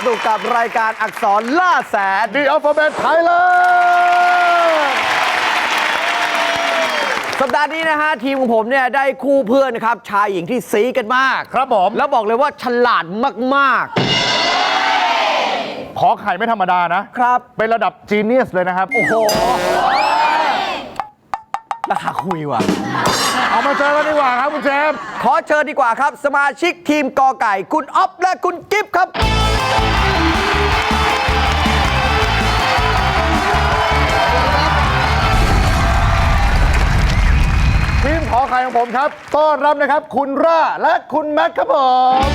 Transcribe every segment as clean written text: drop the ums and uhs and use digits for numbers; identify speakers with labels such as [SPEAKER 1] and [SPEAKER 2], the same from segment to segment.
[SPEAKER 1] นุกกับรายการอักษรล่าแสน
[SPEAKER 2] The Alphabet Thailand
[SPEAKER 1] สัปดาห์นี้นะฮะทีมของผมเนี่ยได้คู่เพื่อนนะครับชายหญิงที่ซีกันมาก
[SPEAKER 2] ครับผม
[SPEAKER 1] แล้วบอกเลยว่าฉลาดมาก
[SPEAKER 2] ขอไข่ไม่ธรรมดานะ
[SPEAKER 1] ๆ ครับ
[SPEAKER 2] เป็นระดับจีเนียสเลยนะครับ
[SPEAKER 1] โอ้โหราคาคุยว่ะ
[SPEAKER 2] เอามาเจอกันดีกว่าครับคุณเจมส์
[SPEAKER 1] ขอเชิญดีกว่าครับ สมาชิกทีมกอไก่คุณอ๊อฟและคุณกิฟต์ครับ
[SPEAKER 2] ทีมขอไข่ของผมครับ ต้อนรับนะครับ คุณร่าและคุณแม็กครับผม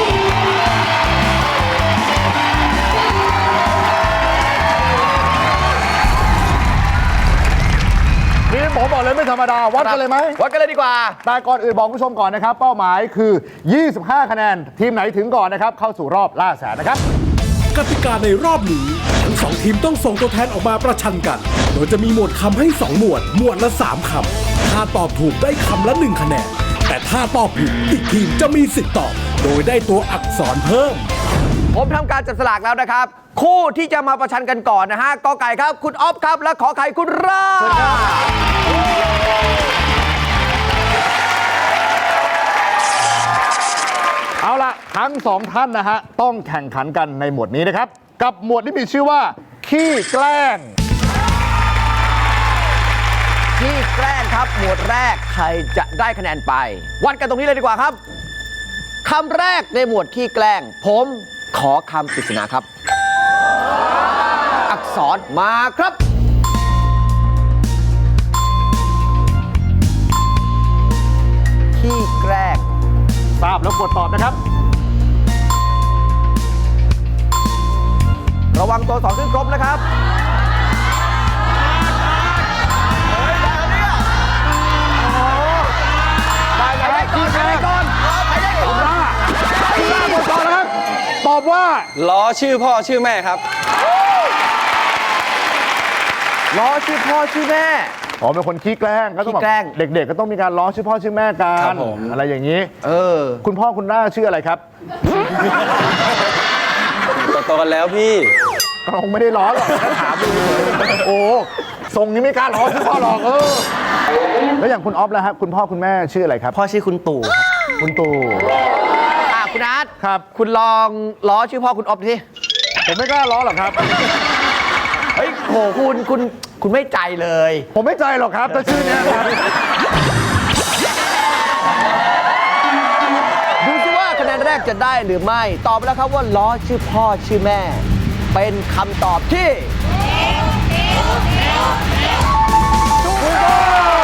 [SPEAKER 2] ทีมผมบอกเลยไม่ธรรมดา วัดกันเลยไหม
[SPEAKER 1] วัดกันเลยดีกว่า
[SPEAKER 2] แต่ก่อนอื่นบอกคุณผู้ชมก่อนนะครับ เป้าหมายคือ 25 คะแนน ทีมไหนถึงก่อนนะครับ เข้าสู่รอบล่าแสนนะครับ
[SPEAKER 3] กติกาในรอบนี้ทั้งสองทีมต้องส่งตัวแทนออกมาประชันกัน โดยจะมีหมวดคำให้ 2 หมวด หมวดละ 3 คำ ถ้าตอบถูกได้คำละ 1 คะแนน แต่ถ้าตอบผิดอีกทีมจะมีสิทธิ์ตอบ โดยได้ตัวอักษรเพิ่ม
[SPEAKER 1] ผมทำการจับสลากแล้วนะครับ คู่ที่จะมาประชันกันก่อนนะฮะกอไก่ครับคุณอ๊อฟครับและขอไข่คุณร่า
[SPEAKER 2] เอาละทั้งสองท่านนะฮะต้องแข่งขันกันในหมวดนี้นะครับ กับหมวดที่มีชื่อว่า ขี้แกล้ง
[SPEAKER 1] ที่แกล้งครับหมวดแรกใครจะได้คะแนนไป วัดกันตรงนี้เลยดีกว่าครับคำแรกในหมวดขี้แกล้ง ผมขอคำปริศนาครับ อักษรมาครับ ขี้แกล้ง
[SPEAKER 2] ทราบแล้วกดตอบนะครับ
[SPEAKER 1] ระวังตัวสองขึ้นครบนะครับได้แล้วขี้แกล้งก่อนใครได้ก่อน
[SPEAKER 2] คุณร่าหมดก่อนนะครับ ตอบว่า
[SPEAKER 4] ล้อชื่อพ่อชื่อแม่ครับ
[SPEAKER 1] ล้อชื่อพ่อชื่อแม่
[SPEAKER 2] อ๋อเป็นคนขี้แกล้งก็ต้อง
[SPEAKER 1] ขี้แกล้ง
[SPEAKER 2] เด็กๆ ก็ต้องมีการล้อชื่อพ่อชื่อแม่กั
[SPEAKER 4] ครั
[SPEAKER 2] น
[SPEAKER 4] บผม
[SPEAKER 2] อะไรอย่างนี้ คุณพ่อคุณร่าชื่ออะไรครับ
[SPEAKER 4] โตๆกันแล้วพี่
[SPEAKER 2] ก็คงไม่ได้ล้อหรอกแค่ถามดูโอ้ทรงนี้ไม่กล้าล้อชื่อพ่อหรอกแล้วอย่างคุณอ๊อฟล่ะครับคุณพ่อคุณแม่ชื่ออะไรครับ
[SPEAKER 4] พ่อชื่อคุณตู่ครับ
[SPEAKER 2] คุณตู่
[SPEAKER 1] คุณอาร์ต
[SPEAKER 2] ครับ
[SPEAKER 1] คุณลองล้อชื่อพ่อคุณอ๊อฟสิ
[SPEAKER 2] ผมไม่กล้าล้อหรอกครับ
[SPEAKER 1] เฮ้ยโหคุณไม่ใจเลย
[SPEAKER 2] ผมไม่ใจหรอกครับถ้าชื่อเนี้ยครับ
[SPEAKER 1] ดูสิว่าคะแนนแรกจะได้หรือไม่ ตอบไปแล้วครับว่าล้อชื่อพ่อชื่อแม่ เป็นคำตอบที่ถูกต้อง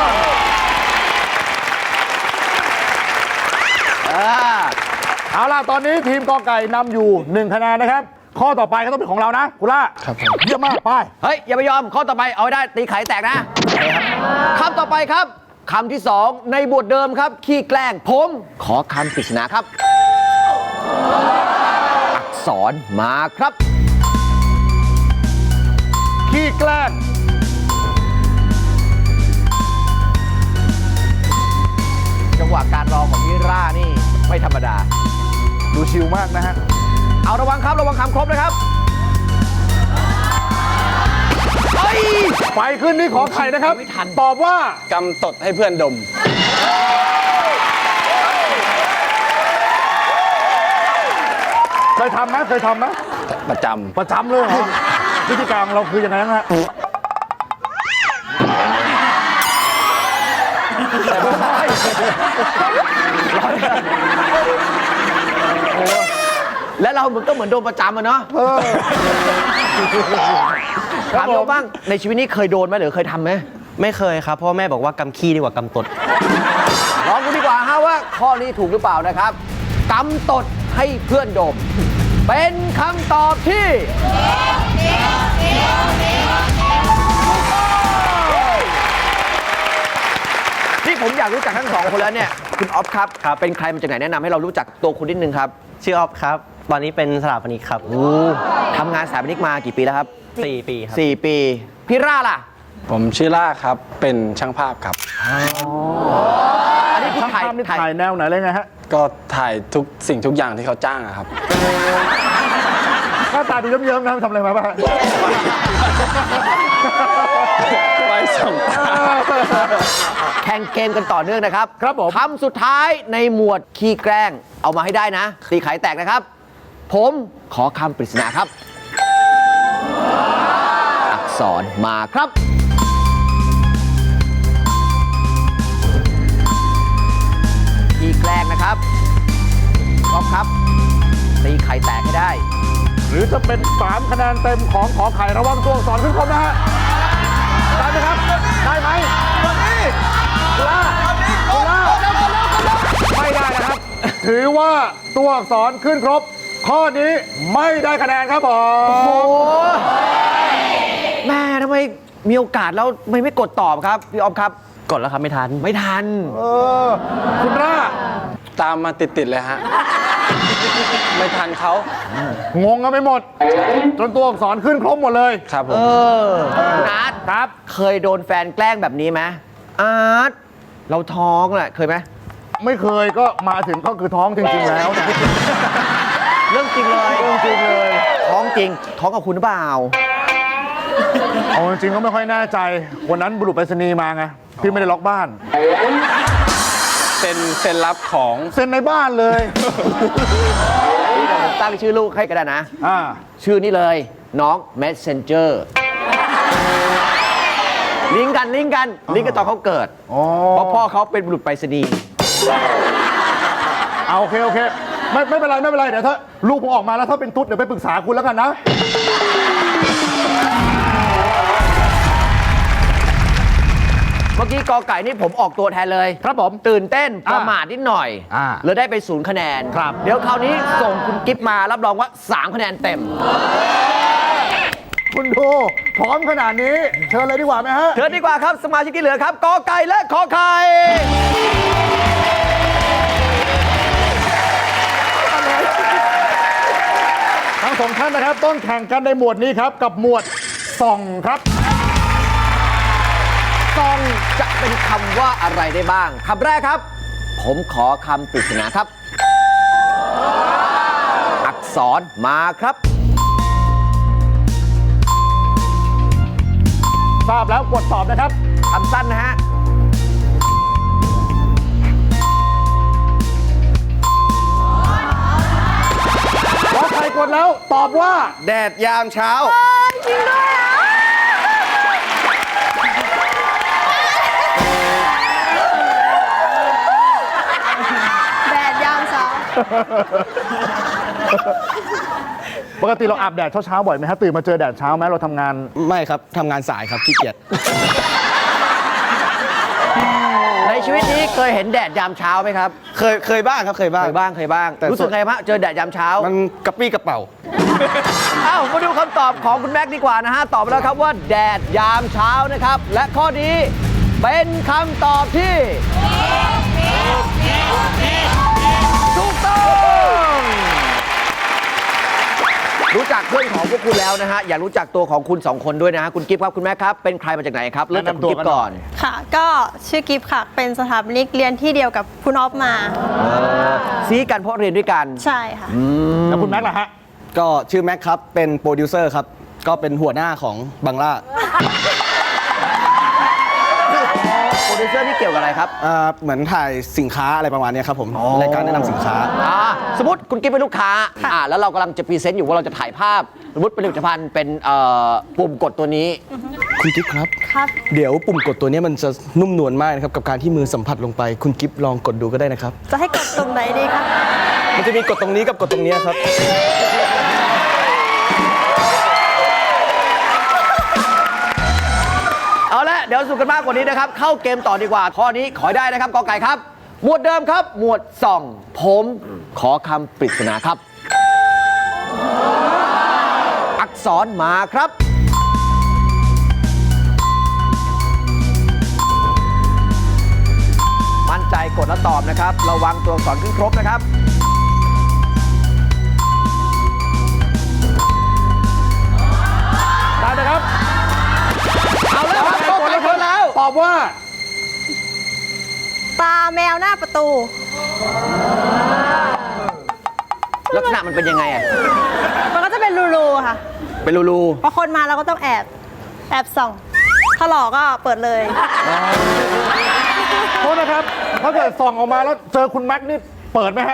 [SPEAKER 2] เอาล่ะตอนนี้ทีมกอไก่นำอยู่ 1 คะแนนนะครับ ข้อต่อไปก็ต้องเป็นของเรานะคุณล่า
[SPEAKER 4] ครับผม
[SPEAKER 2] เยี่ยมมากไป
[SPEAKER 1] เฮ้ย อย่าไปยอม ข้อต่อไปเอาให้ได้ตีไข่แตกนะคำต่อไปครับคำที่สองในบทเดิมครับ ขี้แกล้งผมขอคำปริศนาครับ อักษรมาครับ
[SPEAKER 2] ขี้แกล้ง
[SPEAKER 1] จังหวะการรอของพี่ร่านี่ไม่ธรรมดา
[SPEAKER 2] ดูชิลมากนะฮะ
[SPEAKER 1] เอาระวังครับระวังคำครบนะครับเฮ้ย
[SPEAKER 2] ไปขึ้นนี่ขอไข่นะครับ
[SPEAKER 1] ไม่ทัน
[SPEAKER 2] ตอบว่า
[SPEAKER 4] กำตดให้เพื่อนดม
[SPEAKER 2] เคยทำไหมเคยทำไหม
[SPEAKER 4] ประจ
[SPEAKER 2] ประจำเลยเหรอวิธีการของเราคือยังไงนะฮะ
[SPEAKER 1] และเราก็เหมือนโดนประจำอะเนาะถามโยบ้างในชีวิตนี้เคยโดนไหมหรือเคยทำไหม
[SPEAKER 4] ไม่เคยครับ เพราะแม่บอกว่ากำขี้ดีกว่ากำตด
[SPEAKER 1] ลองดูดีกว่าฮะว่าข้อนี้ถูกหรือเปล่านะครับกำตดให้เพื่อนดม เป็นคำตอบที่ที่ผมอยากรู้จักทั้งสองคนแล้วเนี่ยคุณอ๊อฟครับ เป็นใครมาจากไหนแนะนำให้เรารู้จักตัวคุณนิดนึงครับ
[SPEAKER 5] ชื่อออฟครับ ตอนนี้เป็นสถาปนิกครับ
[SPEAKER 1] ทำงานสถาปนิกมากี่ปีแล้วครับ
[SPEAKER 5] 4 ปีครับ
[SPEAKER 1] 4 ปีพี่ร่าล่ะ
[SPEAKER 4] ผมชื่อล่าครับ เป็นช่างภาพครับ
[SPEAKER 1] อันนี้คุณ
[SPEAKER 2] ช่าง
[SPEAKER 1] ถ่าย
[SPEAKER 2] ภาพนี่
[SPEAKER 1] ถ่าย
[SPEAKER 2] ถ่ายแนวไหนเลยไงฮะ
[SPEAKER 4] ก็ถ่ายทุกสิ่งทุกอย่างที่เขาจ้างอะครับ
[SPEAKER 2] หน้าตาดูเยิ้มๆนะทำอะไรมาบ้าง
[SPEAKER 4] ไปส่ง
[SPEAKER 1] แข่งเกมกันต่อเนื่องนะครับ
[SPEAKER 2] ครับผม
[SPEAKER 1] คำสุดท้ายในหมวดขี้แกล้งเอามาให้ได้นะตีไข่แตกนะครับ ผมขอคำปริศนาครับ อักษรมาครับ ขี้แกล้งนะครับก๊อฟครับตีไข่แตกให้ได้
[SPEAKER 2] หรือจะเป็น 3 คะแนนเต็มของขอไข่ระวังตัวอักษรขึ้นครบนะฮะ ได้ไหมครับ ได้ไหมคุณล่าไม่ได้นะครับ ถือว่าตัวอักษรขึ้นครบ ข้อนี้ไม่ได้คะแนนครับผม
[SPEAKER 1] โอ้แม่ทำไมมีโอกาสแล้วไม่กดตอบครับ พี่ออฟครับ
[SPEAKER 5] กดแล้วครับไม่ทัน
[SPEAKER 1] ไม่ทัน
[SPEAKER 2] คุณล่า
[SPEAKER 4] ตามมาติด ๆ เลยฮะ ไม่ทันเขา
[SPEAKER 2] งงกันไปหมด จนตัวอักษรขึ้นครบหมดเลย
[SPEAKER 4] ครับผม
[SPEAKER 1] คุณอาร์ตครับ เคยโดนแฟนแกล้งแบบนี้ไหมอาร์ตเราท้องแหละเคยไหม
[SPEAKER 2] ไม่เคยก็มาถึงก็คือท้องจริงๆแล้วนะ
[SPEAKER 1] เรื่องจริงเลย
[SPEAKER 2] เรื่องจริงเลย
[SPEAKER 1] ท้องจริง ท้องกับคุณหรือเปล่า
[SPEAKER 2] เอาจริงๆก็ไม่ค่อยแน่ใจ วันนั้นบุรุษไปรษณีย์มาไง พี่ไม่ได้ล็อกบ้าน
[SPEAKER 4] เซ็นรับของ
[SPEAKER 2] เซ็นในบ้านเลย
[SPEAKER 1] ตั้งชื่อลูกให้ก็ได้นะ
[SPEAKER 2] อ่า
[SPEAKER 1] ชื่อนี้เลย น้อง Messenger ลิงก์กันลิงก์กันตอนเขาเกิด
[SPEAKER 2] อ๋อ
[SPEAKER 1] เพราะพ่อเขาเป็นบุรุษไปรษณีย์
[SPEAKER 2] เอาโอเคโอเค ไม่เป็นไรไม่เป็นไร เดี๋ยวถ้าลูกผมออกมาแล้วถ้าเป็นตุ๊ดเดี๋ยวไปปรึกษาคุณแล้วกันนะ
[SPEAKER 1] เมื่อกี้กอไก่นี่ผมออกตัวแทนเลย
[SPEAKER 2] ครับผม
[SPEAKER 1] ตื่นเต้นประมาทนิดหน่อย
[SPEAKER 2] อ่า
[SPEAKER 1] เลยได้ไป0คะแนน
[SPEAKER 2] ครับ
[SPEAKER 1] เดี๋ยวคราวนี้ส่งคุณกิฟมารับรองว่า3คะแนนเต็ม
[SPEAKER 2] คุณดูพร้อมขนาดนี้ เชิญเลยดีกว่าไหมฮะ
[SPEAKER 1] เชิญดีกว่าครับ สมาชิกที่เหลือครับกอไก่และขอไข่
[SPEAKER 2] ทั้งสองท่านนะครับต้องแข่งกันในหมวดนี้ครับ กับหมวดส่องครับ
[SPEAKER 1] ซองจะเป็นคำว่าอะไรได้บ้างคำแรกครับ ผมขอคำปริศนาครับ อักษรมาครับ
[SPEAKER 2] ทราบแล้วกดตอบนะครับ
[SPEAKER 1] คำสั้นนะฮะ
[SPEAKER 2] ขอใครกดแล้วตอบว่า
[SPEAKER 1] แดดยามเช้า
[SPEAKER 6] แดดยามเช้า
[SPEAKER 2] ปกติเราอาบแดดเช้าๆบ่อยไหมฮะตื่นมาเจอแดดเช้าไหมเราทำงาน
[SPEAKER 5] ไม่ครับทำงานสายครับขี้เกียจ
[SPEAKER 1] ในชีวิตนี้เคยเห็นแดดยามเช้าไหมครับ
[SPEAKER 5] เคยบ้างครับเคยบ้าง
[SPEAKER 1] เคยบ้าง
[SPEAKER 5] แต่
[SPEAKER 1] รู้สึกไงบ้างเจอแดดยามเช้า
[SPEAKER 5] มันกระปี้กระเป๋า
[SPEAKER 1] เอ้ามาดูคำตอบของคุณแม็กซ์ดีกว่านะฮะ ตอบมาแล้วครับว่าแดดยามเช้านะครับ และข้อนี้เป็นคำตอบที่ถูกต้อง รู้จักเพื่อนของพวกคุณแล้วนะฮะ อยากรู้จักตัวของคุณ 2 คนด้วยนะฮะ คุณกิฟต์ครับคุณแม็กซ์ครับ เป็นใครมาจากไหนครับ เริ่มจากคุณกิฟต์ก่อน
[SPEAKER 6] ค่ะ ก็ชื่อกิฟต์ค่ะ เป็นสถาปนิกเรียนที่เดียวกับคุณออฟมา
[SPEAKER 1] ซีกันเพราะเรียนด้วยกัน
[SPEAKER 6] ใช่ค่ะ
[SPEAKER 2] แล้วคุณแม็กซ์ล่ะฮะ
[SPEAKER 5] ก็ชื่อแม็กครับ เป็นโปรดิวเซอร์ครับ ก็เป็นหัวหน้าของบังล่า
[SPEAKER 1] โปรดิวเซอร์นี่เกี่ยวกับอะไรครับ
[SPEAKER 5] เหมือนถ่ายสินค้าอะไรประมาณเนี้ยครับผม รายการแนะนำสินค้า
[SPEAKER 1] สมมติคุณกิ๊บเป็นลูกค้าแล้วเรากำลังจะพรีเซนต์อยู่ว่าเราจะถ่ายภาพ สมมติผลิตภัณฑ์เป็นปุ่มกดตัวนี้
[SPEAKER 5] คุณกิฟครับ
[SPEAKER 6] ครับ
[SPEAKER 5] เดี๋ยวปุ่มกดตัวเนี้ยมันจะนุ่มนวลมากนะครับกับการที่มือสัมผัสลงไป คุณกิฟลองกดดูก็ได้นะครับ
[SPEAKER 6] จะให้กดตรงไหนดีคะ
[SPEAKER 5] มันจะมีกดตรงนี้กับกดตรงเนี้ยครับ
[SPEAKER 1] เอาละเดี๋ยวสู้กันมากกว่านี้นะครับ เข้าเกมต่อดีกว่า ข้อนี้ขอให้ได้นะครับกอไก่ครับ หมวดเดิมครับ หมวดส่อง ผมขอคำปริศนาครับ อักษรมาครับ มั่นใจกดแล้วตอบนะครับ ระวังตัวอักษรขึ้นครบนะครับ
[SPEAKER 2] ได้ไหมครับ
[SPEAKER 1] เอาแล้วครับกดแล้วคนแล้ว
[SPEAKER 2] ตอบว่า
[SPEAKER 6] ตาแมวหน้าประตู
[SPEAKER 1] ลักษณะมันเป็นยังไงอ่ะ
[SPEAKER 6] มันก็จะเป็นรูๆค่ะ
[SPEAKER 1] เป็นรู
[SPEAKER 6] พอคนมาเราก็ต้องแอบส่องถ้าหลอกก็เปิดเลย
[SPEAKER 2] โทษนะครับ ถ้าเกิดส่องออกมาแล้วเจอคุณแม็กซ์นี่เปิดไหมฮะ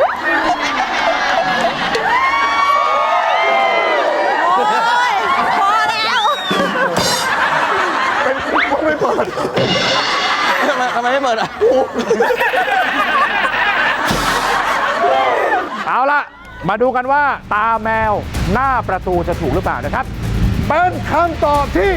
[SPEAKER 6] โอ้ยพอแล้ว
[SPEAKER 2] เป็นคุณไม่เปิด
[SPEAKER 5] ทำไมไม่เปิดอ่ะ
[SPEAKER 2] เอาล่ะ มาดูกันว่าตาแมวหน้าประตูจะถูกหรือเปล่านะครับ เป็นคำตอบที่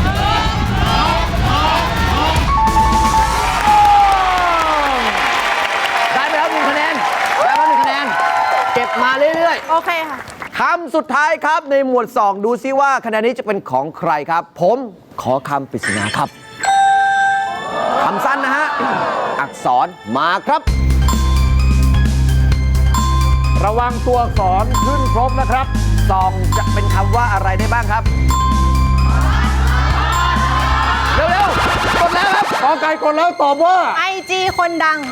[SPEAKER 1] ๆ ได้ไปแล้ว1 คะแนน ได้มา1 คะแนน เก็บมาเรื่อย
[SPEAKER 6] โอเคค่ะ
[SPEAKER 1] ๆ คำสุดท้ายครับในหมวด 2 ดูซิว่าคะแนนนี้จะเป็นของใครครับ ผมขอคำปริศนาครับ คำสั้นนะฮะ อักษรมาครับ
[SPEAKER 2] ระวังตัวอักษรขึ้นครบนะครับ
[SPEAKER 1] ซองจะเป็นคำว่าอะไรได้บ้างครับ เร็วๆ กดแล้วครับ
[SPEAKER 2] กอไก่กดแล้วตอบว่า
[SPEAKER 6] IG คนดัง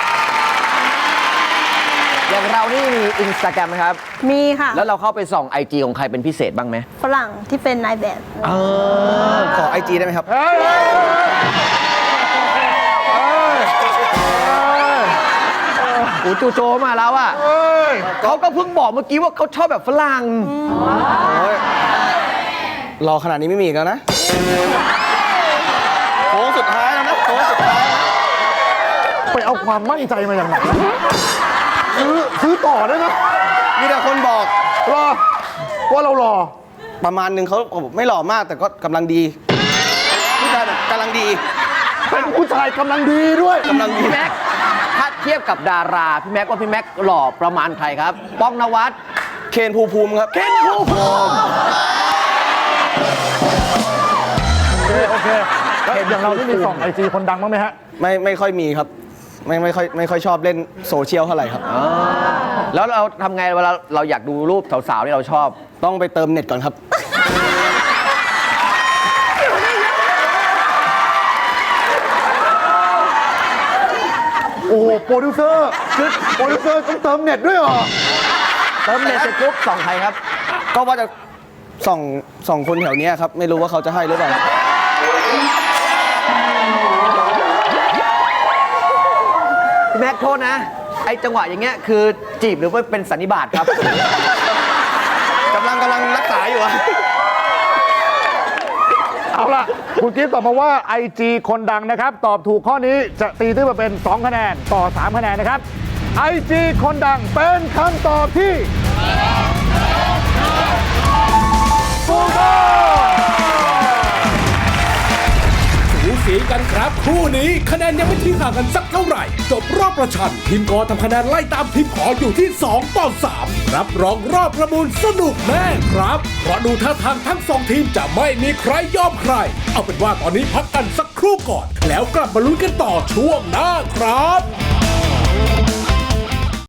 [SPEAKER 1] อย่างเรานี่มีอินสตาแกรมไหมครับ
[SPEAKER 6] มีค่ะ
[SPEAKER 1] แล้วเราเข้าไปส่อง IG ของใครเป็นพิเศษบ้างไหม
[SPEAKER 6] ฝรั่งที่เป็นนายแบบ
[SPEAKER 5] ขอไอจีได้ไหมครับ
[SPEAKER 2] เฮ้ยเฮ้ย
[SPEAKER 1] อูจูโจมาแล้วอ่ะ
[SPEAKER 2] เฮ้ย
[SPEAKER 1] เขาก็เพิ่งบอกเมื่อกี้ว่าเขาชอบแบบฝรั่ง
[SPEAKER 5] รอขนาดนี้ไม่มีอีกแล้วนะโค้งสุดท้ายแล้วนะโค้งสุดท้าย
[SPEAKER 2] ไปเอาความมั่นใจมาอย่างไหนซื้อต่อได้ไหม
[SPEAKER 5] มีแต่คนบอก
[SPEAKER 2] รอว่าเรารอ
[SPEAKER 5] ประมาณหนึ่งเขาบอกไม่หล่อมากแต่ก็กำลังดีผู้ชายแบบกำลังดี
[SPEAKER 2] เป็นผู้ชายกำลังดีด้วย
[SPEAKER 5] กำลังดี
[SPEAKER 1] พี่แม็ก ถ้าเทียบกับดารา พี่แม็กว่าพี่แม็กหล่อประมาณใครครับ ป้องนวัด
[SPEAKER 5] เคนภูมิครับ
[SPEAKER 1] เคนภูมิ
[SPEAKER 2] โอเคแล้วอย่างเราที่มีส่องไอจีคนดังบ้างไหมฮะ
[SPEAKER 5] ไม่ค่อยมีครับ ไม่ค่อยชอบเล่นโซเชียลเท่าไหร่ครับ
[SPEAKER 1] แล้วเราทำไงเวลาเราอยากดูรูปสาวๆที่เราชอบ
[SPEAKER 5] ต้องไปเติมเน็ตก่อนครับ
[SPEAKER 2] โอ้โหโปรดิวเซอร์ต้องเติมเน็ตด้วยเหรอ
[SPEAKER 1] เติมเน็ตเสร็จปุ๊บส่องใครครับ
[SPEAKER 5] ก็ว่าจะส่องคนแถวเนี้ยครับ ไม่รู้ว่าเขาจะให้หรือเปล่า
[SPEAKER 1] พี่แม็กโทษนะ ไอ้จังหวะอย่างเงี้ยคือจีบหรือว่าเป็นสันนิบาตครับ
[SPEAKER 5] กำลังรักษาอยู่อะ
[SPEAKER 2] เอาล่ะ คุณกิฟต์ตอบมาว่า IG คนดังนะครับ ตอบถูกข้อนี้จะตีตื้นมาเป็น 2 คะแนนต่อ 3 คะแนนนะครับ IG คนดังเป็นคำตอบที่ถูกต้อง
[SPEAKER 3] สูสีกันครับคู่นี้คะแนนยังไม่ทิ้งห่างกันสักเท่าไหร่ จบรอบประชันทีมกอทำคะแนนไล่ตามทีมขออยู่ที่ 2 ต่อ 3 รับรองรอบประมูลสนุกแน่ครับ เพราะดูท่าทางทั้ง 2 ทีมจะไม่มีใครยอมใคร เอาเป็นว่าตอนนี้พักกันสักครู่ก่อน แล้วกลับมาลุ้นกันต่อช่วงหน้าครับ